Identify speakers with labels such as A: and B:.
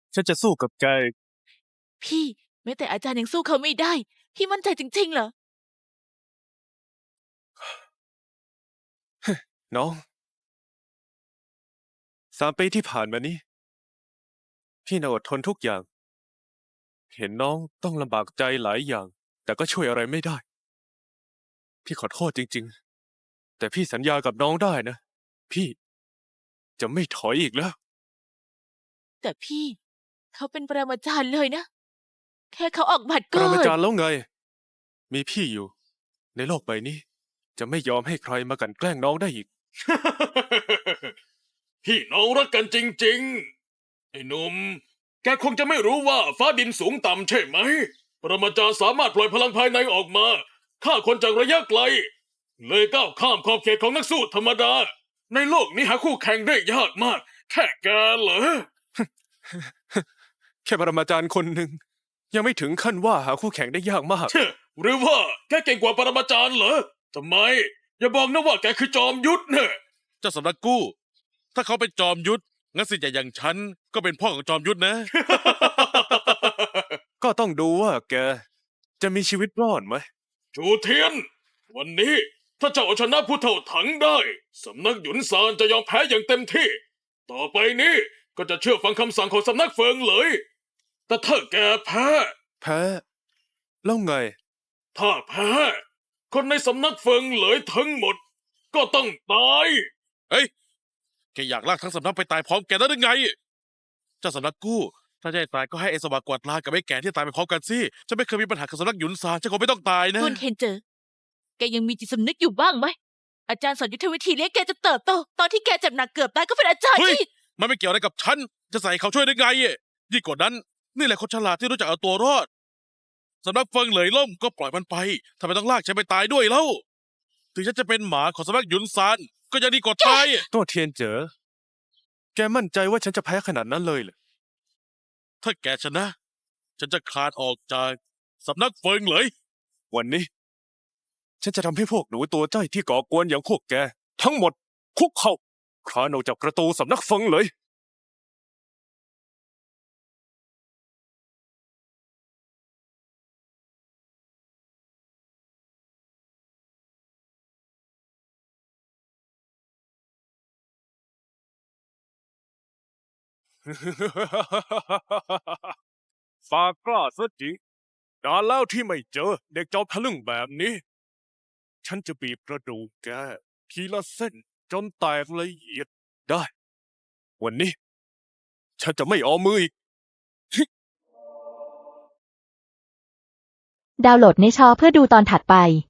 A: ฉันจะสู้กับแก
B: พี่แม้แต่อาจารย์ยังสู้เขาไม่ได้ พี่มั่นใจจริงๆเหรอ
A: น้อง3 ปีที่ผ่านมานี้พี่น่ะอดทนทุกอย่าง เห็นน้องต้องลำบากใจหลายอย่าง แต่ก็ช่วยอะไรไม่ได้ พี่ขอโทษจริงๆ แต่พี่สัญญากับน้องได้นะ พี่จะไม่ถอยอีกแล้ว
B: แต่พี่เขาเป็นปรมาจารย์เลยนะ แค่เขาออกบัตร
A: ป
B: ก็
A: รมาจารย์แล้วไง มีพี่อยู่ ในโลกใบนี้ จะไม่ยอมให้ใครมากลั่นแกล้งน้องได้อีก
C: พี่น้องรักกันจริงๆ ไอ้หนุ่ม แกคงจะไม่รู้ว่าฟ้าดินสูงต่ำใช่ไหม ปรมาจารย์สามารถปล่อยพลังภายในออกมาฆ่าคนจากระยะไกล เลยก้าวข้ามขอบเขตของนักสู้ธรรมดา ในโลกนี้หาคู่แข่งได้ยากมาก แค่แกเหรอ
A: แค่ปรมาจารย์คนหนึ่งยังไม่ถึงขั้นว่าหาคู่แข่งได้ยากมาก
C: เช่หรือว่าแกเก่งกว่าปรมาจารย์เหรอทำไม อย่าบอกนะว่าแกคือจอมยุทธเนี่ย
D: เจ้าสำนักกู้ ถ้าเขาเป็นจอมยุทธงั้นสิทธิ์ใหญ่อย่างฉันก็เป็นพ่อของจอมยุทธนะ
A: ก็ต้องดูว่าแกจะมีชีวิตรอดไหม
C: จูเทียน วันนี้ถ้าเจ้าเอาชนะผู้เท่าถังได้สำนักหยุนซานจะยอมแพ้อย่างเต็มที่ ต่อไปนี้ก็จะเชื่อฟังคำสั่งของสำนักเฟิงเลย แต่ถ้าแกแพ้
A: แพ้ แล้วไง
C: ถ้าแพ้ คนในสำนักเฟิงเลยทั้งหมด ก็ต้องตาย
D: เฮ้ย แกอยากลากทั้งสำนักไปตายพร้อมแกได้หรือไง เจ้าสำนักกู้ ถ้าจะให้ตายก็ให้ไอ้สวากกวาดลานกับไอ้แก่ที่ตายไปพร้อมกันสิฉันไม่เคยมีปัญหากับสำนักหยุนซานฉันคงไม่ต้องตายนะ
B: ต้นเคนเจอ แกยังมีจิตสำนึกอยู่บ้างไหม อาจารย์สอนยุทธวิธีเลี้ยงแกจะเติบโต ตอนที่แกเจ็บหนักเกือบตายก็เป็นอาจารย์
D: เฮ้ย
B: ที่
D: มันไม่เกี่ยวอะไรกับฉัน จะใส่เขาช่วยได้ไงยิ่งกว่านั้น นี่แหละคนฉลาดที่รู้จักเอาตัวรอดสำนักเฟิงเหลยล่มก็ปล่อยมันไปทำไมต้องลากฉันไปตายด้วยเล่า ถึงฉันจะเป็นหมาของสำนักหยุนซานก็ยังดีกว่าตาย
A: โต้เทียนเจ๋อ แกมั่นใจว่าฉันจะแพ้ขนาดนั้นเลยเหรอ
D: ถ้าแกชนะ ฉันจะคลานออกจากสำนักเฟิงเหลย
A: วันนี้ ฉันจะทำให้พวกหนูตัวจ้อยที่ก่อกวนอย่างพวกแก ทั้งหมดคุกเข่าคลานออกจากประตูสำนักเฟิงเลย ฝากกล้าซะจริงนานแล้วที่ไม่เจอเด็กจอมทะลึ่งแบบนี้ ฉันจะบีบกระดูกแกทีละเส้นจนแตกละเอียดได้ วันนี้ ฉันจะไม่เอามืออีก
E: ดาวน์โหลดในชอเพื่อดูตอนถัดไป